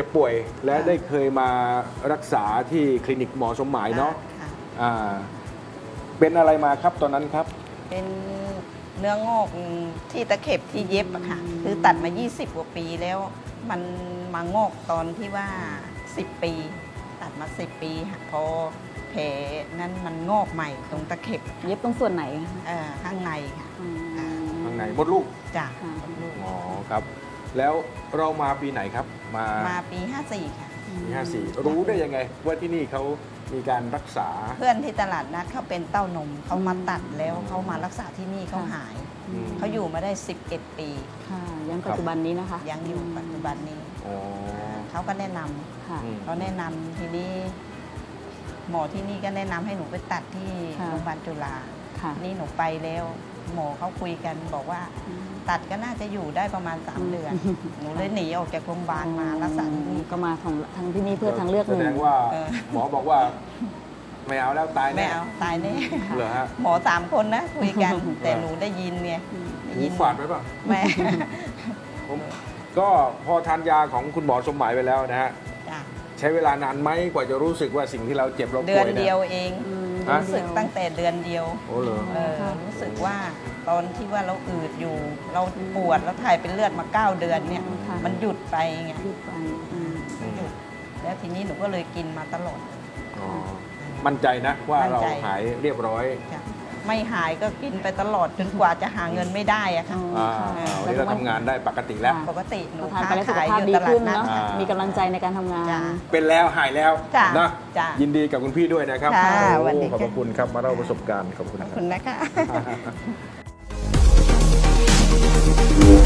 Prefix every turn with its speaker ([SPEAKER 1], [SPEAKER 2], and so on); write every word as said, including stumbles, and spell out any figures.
[SPEAKER 1] ป่วยและได้เคยมารักษาที่คลินิกหมอสมหมายเนาะ
[SPEAKER 2] ค่ะ
[SPEAKER 1] อ่าเป็นอะไรมาครับตอนนั้นครับ
[SPEAKER 2] เป็นเนื้องอกที่ตะเข็บที่เย็บอะค่ะ คือตัดมา ยี่สิบ กว่าปีแล้ว มันมางอกตอนที่ว่า สิบ ปี ตัดมา สิบ ปีค่ะพอแผลนั้นมันงอกใหม่ตรงตะเข็บ
[SPEAKER 3] เย็บตรงส่วนไหนคะ
[SPEAKER 2] เอ่อข้างในค่ะ
[SPEAKER 3] อืม
[SPEAKER 2] อ่า
[SPEAKER 1] ข้างในมดลูก
[SPEAKER 2] จาก
[SPEAKER 3] ค่ะ
[SPEAKER 1] อ๋อครับ แล้วเรามาปีไหนครับ มา
[SPEAKER 2] มาปี ห้าสี่ ค่ะ
[SPEAKER 1] ปีห้าสี่รู้ได้ยังไงว่าที่นี่เขามีการรักษา
[SPEAKER 2] เพื่อนที่ตลาดนัดเขาเป็นเต้านมเขามาตัดแล้วเขามารักษาที่นี่เขาหาย
[SPEAKER 1] อืม
[SPEAKER 2] เขาอยู่มาได้ สิบเอ็ด ปี
[SPEAKER 3] ค่ะยังปัจจุบันนี้นะคะ
[SPEAKER 2] ยังอยู่ปัจจุบันนี้
[SPEAKER 1] อ๋อ
[SPEAKER 2] เขาก็แนะนำ
[SPEAKER 3] ค่ะ
[SPEAKER 1] อืม
[SPEAKER 2] เขาแนะนำทีนี้ หมอที่นี่ก็แนะนำให้หนูไปตัดที่
[SPEAKER 3] ค่ะ
[SPEAKER 2] โรงพยาบาลจุฬา
[SPEAKER 3] ค่ะ
[SPEAKER 2] นี่หนูไปแล้ว หมอเขาคุยกันบอกว่า ตัดก็น่าจะอยู่ได้ประมาณ สาม เดือน หนูเลยหนีออกจากโรงพยาบาลมารักษาที่นี่
[SPEAKER 3] ก็มาของทางที่นี่เพื่อทางเลือกห
[SPEAKER 1] แส
[SPEAKER 3] นึ่ง
[SPEAKER 1] ดงว่า
[SPEAKER 2] เออ
[SPEAKER 1] หมอบอกว่าไม่เอาแล้วตาย
[SPEAKER 2] ไม่
[SPEAKER 1] แน่
[SPEAKER 2] เอาตายแน่
[SPEAKER 1] เหรอฮะ
[SPEAKER 2] หมอสามคนนะคุยกัน แต่หนูได้ยินไงได้
[SPEAKER 1] หู
[SPEAKER 2] ยิน
[SPEAKER 1] ฝาดไว้ป่ะ
[SPEAKER 2] แม่
[SPEAKER 1] ผมก็พอทานยาของคุณหมอสมหมายไปแล้วนะฮะ
[SPEAKER 2] จ้ะ
[SPEAKER 1] ใช้เวลานานไหมกว่าจะรู้สึกว่าสิ่งที่เราเจ็บเรา
[SPEAKER 2] เดื
[SPEAKER 1] ป่
[SPEAKER 2] อ
[SPEAKER 1] วน ย
[SPEAKER 2] เดี
[SPEAKER 1] เนี่ย
[SPEAKER 2] ยวเอง
[SPEAKER 3] อืม
[SPEAKER 1] ฮะ
[SPEAKER 2] รู้สึกตั้งแต่เดือนเดียว
[SPEAKER 1] โอ้เหรอ
[SPEAKER 2] เออรู้สึกว่าตอนที่ว่าเราอืดอยู่ เราปวดแล้วถ่ายเป็นเลือดมาเก้าเดือนเนี่ย
[SPEAKER 3] ค่ะ
[SPEAKER 2] มันหยุดไปไง
[SPEAKER 3] ยืดไปอืม
[SPEAKER 2] หยุดแล้วทีนี้หนูก็เลยกินมาตลอด
[SPEAKER 1] อ๋อมั่นใจนะว่า
[SPEAKER 2] มั่น
[SPEAKER 1] เรา
[SPEAKER 2] ใจ
[SPEAKER 1] หายเรียบร้อย
[SPEAKER 2] จ้ะไม่หายก็กินไปตลอดจนกว่าจะหาเงินไม่ได้อะค่ะ
[SPEAKER 1] อ่า
[SPEAKER 3] ค่ะ
[SPEAKER 1] วันนี้เราทำงานได้ปกติแล้ว
[SPEAKER 3] ค่ะ
[SPEAKER 2] ปกติหนู
[SPEAKER 3] พอทาน
[SPEAKER 2] ค้า
[SPEAKER 3] ไปแล้วสุข
[SPEAKER 2] ขาย
[SPEAKER 3] ภา
[SPEAKER 2] อ
[SPEAKER 3] พ
[SPEAKER 2] ยู่
[SPEAKER 3] ดี
[SPEAKER 2] ตลา
[SPEAKER 3] ขึ้
[SPEAKER 2] ด
[SPEAKER 3] น
[SPEAKER 2] นัด
[SPEAKER 3] เนาะ
[SPEAKER 1] อ่ามี
[SPEAKER 3] มีกำลังใจในการทำงาน
[SPEAKER 2] จ้ะ
[SPEAKER 1] เป็นแล้วหายแล้ว
[SPEAKER 2] จ้ะ
[SPEAKER 1] นะ
[SPEAKER 2] จ้ะ
[SPEAKER 1] ยินดีกับคุณพี่ด้วยนะครับ
[SPEAKER 2] ค่ะ
[SPEAKER 1] โอ้
[SPEAKER 2] สวัสดี
[SPEAKER 1] ขอบ
[SPEAKER 2] ค่ะ
[SPEAKER 1] พระคุณครับมาเล่าประสบการณ์ขอบคุณ
[SPEAKER 2] ขอบ
[SPEAKER 1] ค
[SPEAKER 2] คุ
[SPEAKER 1] รับ
[SPEAKER 2] ณนะคะ